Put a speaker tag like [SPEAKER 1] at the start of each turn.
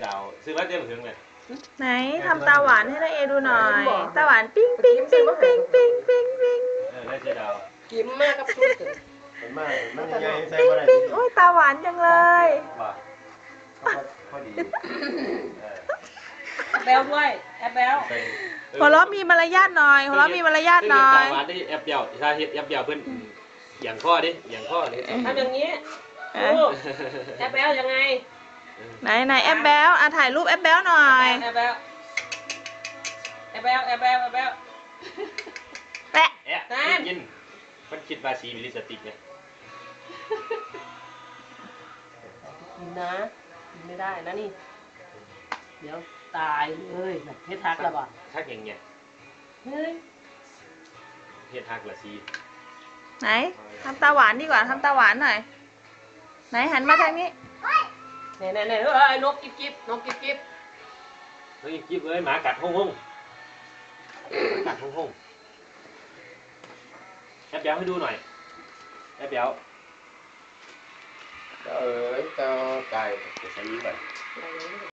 [SPEAKER 1] าวซื้อมาเต็มถึงเลย
[SPEAKER 2] ไหนทำตาหวานให้น้าเอดูหน่อยตาหวานปิ้งปิ้งปิ้งปิ้งปิ้งปิ้งปิ้ง
[SPEAKER 1] ได้เจ๊ดาว
[SPEAKER 3] ยิ้มมากกับชุด
[SPEAKER 1] มันมากมันยังไงใส่
[SPEAKER 2] ปิ้ง
[SPEAKER 1] อะไร
[SPEAKER 2] ปิ้งโอ้ยตาหวานจังเลย
[SPEAKER 1] ว่าพอดี
[SPEAKER 3] แบลด้วยแอบแบล
[SPEAKER 2] หัวเราะมีมารยาทหน่อยหัวเราะมีมารยาทหน่อย
[SPEAKER 1] ตาหวานได้แอบเดียวถ้าเฮ็ดแอบเดียวเพิ่นอย่างข้อดิอย่างข้อเลย
[SPEAKER 3] ทำอย่างนี้ลูกแอบแบลยังไง
[SPEAKER 2] ไหนแอปแบลถ่ายรูปแอปแบลหน่อย
[SPEAKER 3] แอบแบลแอบแบลแอบแบลแอบแบล
[SPEAKER 2] แปะ
[SPEAKER 1] แอะยินมันคิดว่าสีมีลิปสติกเนี่ย
[SPEAKER 3] กินนะกินไม่ได้นะนี่เดี๋ยวตายเลยเพชรทักแล้วป่ะ
[SPEAKER 1] ทักอย่างเงี้ย
[SPEAKER 3] เฮ้ย
[SPEAKER 1] เฮ็ดทักละสี
[SPEAKER 2] ไหนทำตาหวานดีกว่าทำตาหวานหน่อยไหนหันมาทางนี้
[SPEAKER 3] เนี่ยนกกิ๊บกิ๊บนกกิ๊บกิ๊บ
[SPEAKER 1] เฮ้ยกิ๊บเอ้ยหมากัดห้องกัดห้องแอบเดียวให้ดูหน่อยแอบเดียวเจ้าไก่จะใส่ก่อน